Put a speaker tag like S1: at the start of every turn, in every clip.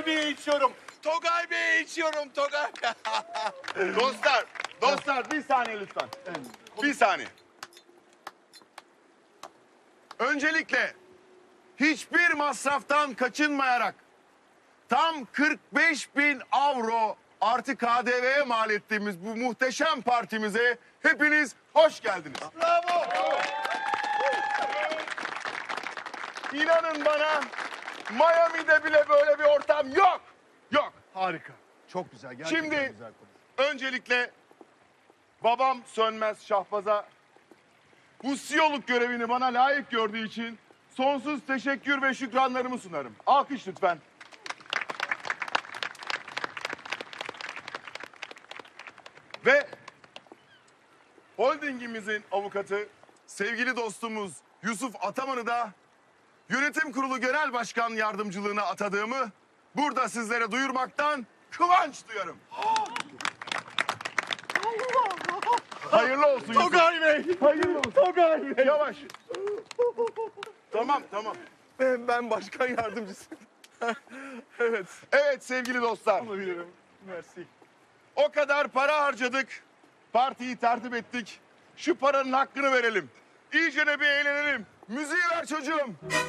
S1: Togay Bey'e içiyorum. Togay Bey'e içiyorum. Togay.
S2: Dostlar bir saniye lütfen. Bir saniye. Öncelikle hiçbir masraftan kaçınmayarak tam 45.000 avro artı KDV'ye mal ettiğimiz bu muhteşem partimize hepiniz hoş geldiniz.
S1: Bravo.
S2: İnanın bana Miami'de bile böyle bir ortam yok. Yok.
S3: Harika. Çok güzel. Gerçekten
S2: Şimdi
S3: güzel konu.
S2: öncelikle babam Sönmez Şahbaz'a bu CEO'luk görevini bana layık gördüğü için sonsuz teşekkür ve şükranlarımı sunarım. Alkış lütfen. Ve holdingimizin avukatı sevgili dostumuz Yusuf Ataman'ı da yönetim kurulu genel başkan yardımcılığına atadığımı burada sizlere duyurmaktan kıvanç duyarım. Hayırlı olsun Yusuf.
S1: Togay Bey.
S2: Hayırlı olsun.
S1: Togay Bey.
S2: Yavaş. Tamam.
S1: Ben başkan yardımcısıyım. Evet.
S2: Evet sevgili dostlar.
S1: Alabilirim. Mersi.
S2: O kadar para harcadık. Partiyi tertip ettik. Şu paranın hakkını verelim. İyice bir eğlenelim. Müziği ver çocuğum.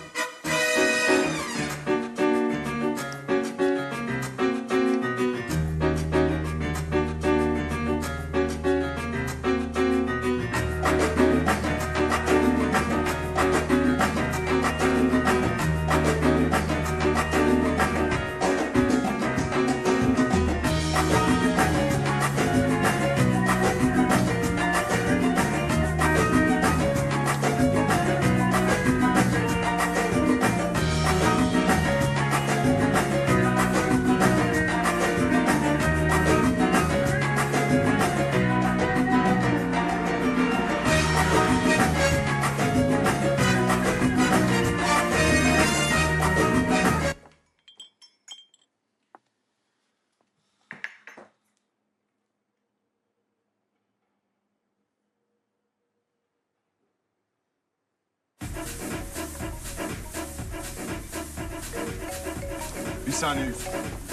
S2: Bir saniye Yusuf.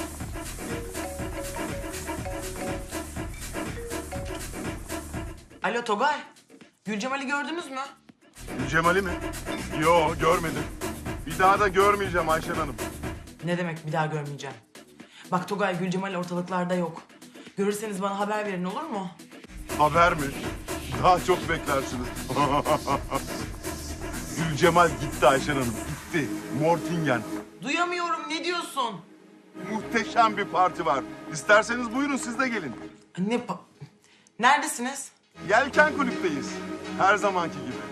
S4: Alo Togay. Gülcemal'i gördünüz mü?
S2: Cemal'i mi? Yo görmedim. Bir daha da görmeyeceğim Ayşen Hanım.
S4: Ne demek bir daha görmeyeceğim. Bak Togay, Gülcemal ortalıklarda yok. Görürseniz bana haber verin, olur mu?
S2: Haber mi? Daha çok beklersiniz. Gülcemal gitti Ayşen Hanım. Gitti. Mortingen.
S4: Duyamıyorum, ne diyorsun?
S2: Muhteşem bir parti var. İsterseniz buyurun siz de gelin.
S4: Neredesiniz?
S2: Yelken kulüpteyiz. Her zamanki gibi.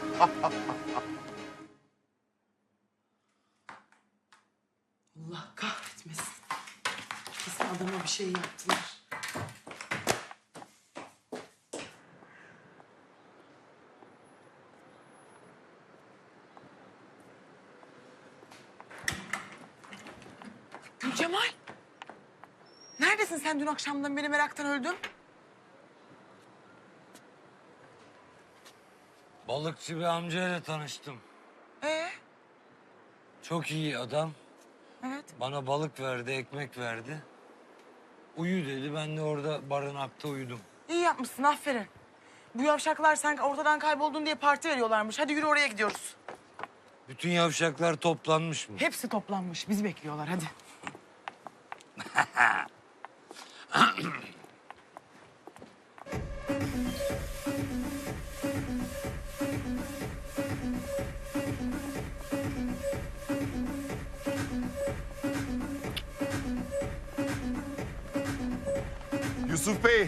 S4: Allah kahretmesin. Kesin adama bir şey yaptılar. Gülcemal. Neredesin sen? Dün akşamdan beri meraktan öldüm.
S5: Balıkçı bir amcayla tanıştım.
S4: Ee?
S5: Çok iyi adam.
S4: Evet.
S5: Bana balık verdi, ekmek verdi. Uyu dedi, ben de orada barınakta uyudum.
S4: İyi yapmışsın, aferin. Bu yavşaklar sen ortadan kayboldun diye parti veriyorlarmış. Hadi yürü, oraya gidiyoruz.
S5: Bütün yavşaklar toplanmış mı?
S4: Hepsi toplanmış. Bizi bekliyorlar, hadi.
S2: Yusuf Bey,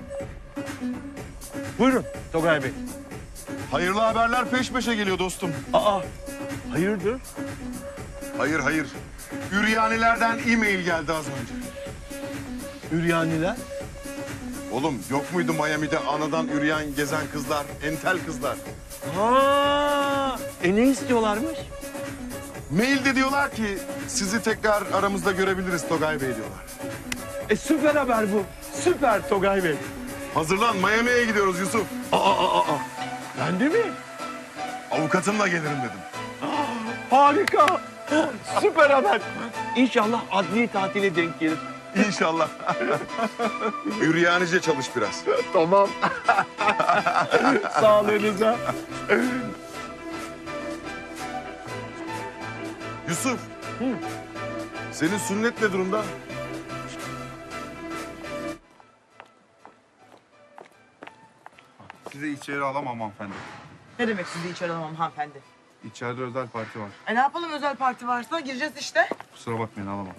S3: Buyurun Togay Bey.
S2: hayırlı haberler peş peşe geliyor dostum.
S3: Aa, hayırdır?
S2: Hayır. Üryanilerden e-mail geldi az önce.
S3: Üryaniler?
S2: Oğlum yok muydu Miami'de anadan üryan gezen kızlar, entel kızlar?
S3: Ha, ne istiyorlarmış?
S2: Mailde diyorlar ki sizi tekrar aramızda görebiliriz Togay Bey diyorlar.
S3: Süper haber bu. Süper Togay Bey.
S2: Hazırlan Miami'ye gidiyoruz Yusuf.
S3: Ben de mi?
S2: Avukatımla gelirim dedim.
S3: Harika. Süper haber. İnşallah adli tatile denk gelir.
S2: İnşallah. Üryanice çalış biraz.
S3: Tamam. Sağlığınıza.
S2: Yusuf. Senin sünnet ne durumda?
S1: Sizi içeri alamam hanımefendi.
S4: Ne demek sizi içeri alamam hanımefendi?
S1: İçeride özel parti var.
S4: Ne yapalım özel parti varsa gireceğiz işte.
S1: Kusura bakmayın alamam.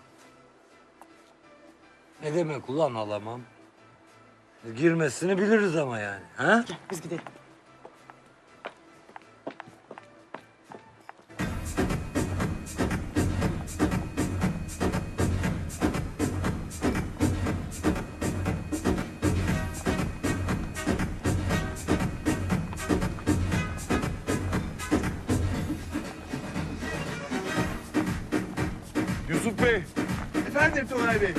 S5: Ne demek ulan alamam? Girmesini biliriz ama yani. Ha?
S4: Gel biz gidelim.
S2: Yusuf Bey.
S3: Efendim Tugay Bey.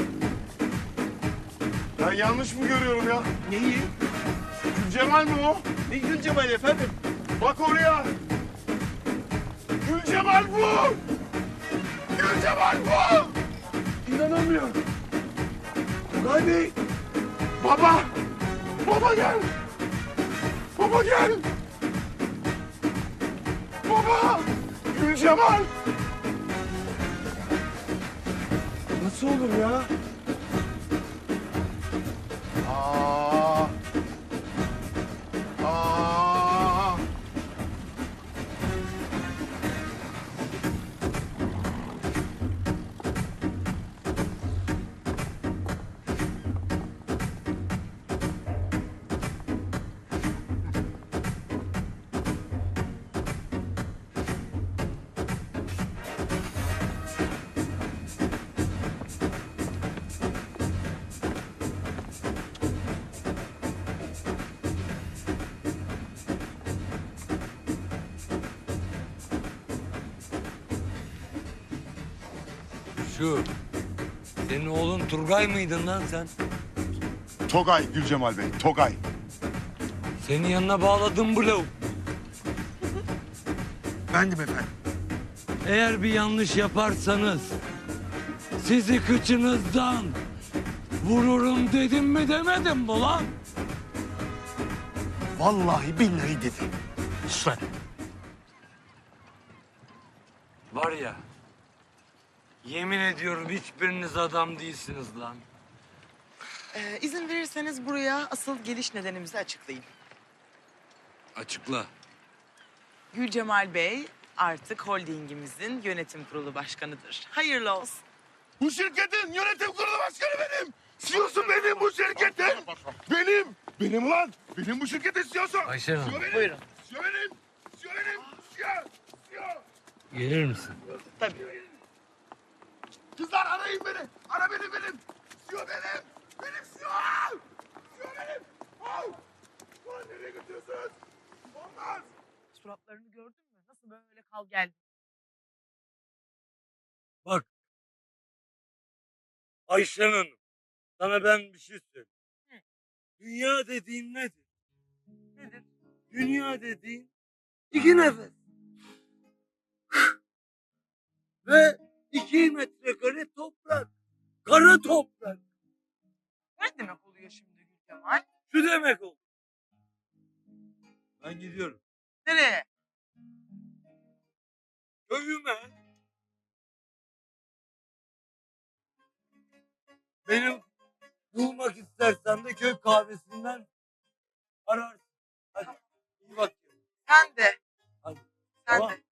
S2: Ben yanlış mı görüyorum ya?
S3: Neyi?
S2: Gülcemal mi o?
S3: Ne Gülcemal efendim?
S2: Bak oraya. Gülcemal bu. Gülcemal bu.
S3: İnanamıyorum. Tugay Bey.
S2: Baba. Baba gel. Baba gel. Baba. Gülcemal.
S3: Nasıl olur ya?
S2: Aa. Aa.
S5: Şu. Senin oğlun Turgay mıydın lan sen?
S2: Togay Gülcemal Bey, Togay.
S5: Senin yanına bağladım bu lavuk.
S2: Bendim efendim.
S5: Eğer bir yanlış yaparsanız sizi kıçınızdan vururum dedim mi demedim mi lan?
S2: Vallahi billahi dedi.
S5: Sen. Var ya, yemin ediyorum hiçbiriniz adam değilsiniz lan.
S4: İzin verirseniz buraya asıl geliş nedenimizi açıklayayım.
S5: Açıkla.
S4: Gülcemal Bey artık holdingimizin yönetim kurulu başkanıdır. Hayırlı olsun.
S2: Bu şirketin yönetim kurulu başkanı benim. CEO'su benim bu şirketin. Benim. Benim lan. Benim bu şirketin CEO'su.
S5: Ayşen Hanım.
S2: CEO benim.
S4: Buyurun.
S2: CEO benim. CEO benim. CEO.
S5: Gelir misin?
S4: Tabii.
S2: Kızlar arayın beni. Ara benim. CEO benim. Benim CEO. CEO benim. Al. Lan nereye götürüyorsunuz? Olmaz.
S4: Suratlarını gördün mü? Nasıl böyle kal geldi?
S5: Bak. Ayşen Hanım. Sana ben bir şey söyleyeyim.
S4: Hı.
S5: Dünya dediğin nedir?
S4: Nedir?
S5: Dünya dediğin iki nefes. Ve 2 metrekare toprak. Kara toprak.
S4: Ne demek oluyor şimdi Gülcemal?
S5: Şu demek oldu. Ben gidiyorum.
S4: Nereye?
S5: Köyüme. Benim bulmak istersen de köy kahvesinden ararsın. Hadi iyi bak.
S4: Sen de.
S5: Hadi.
S4: Sen
S5: Tamam.
S4: de.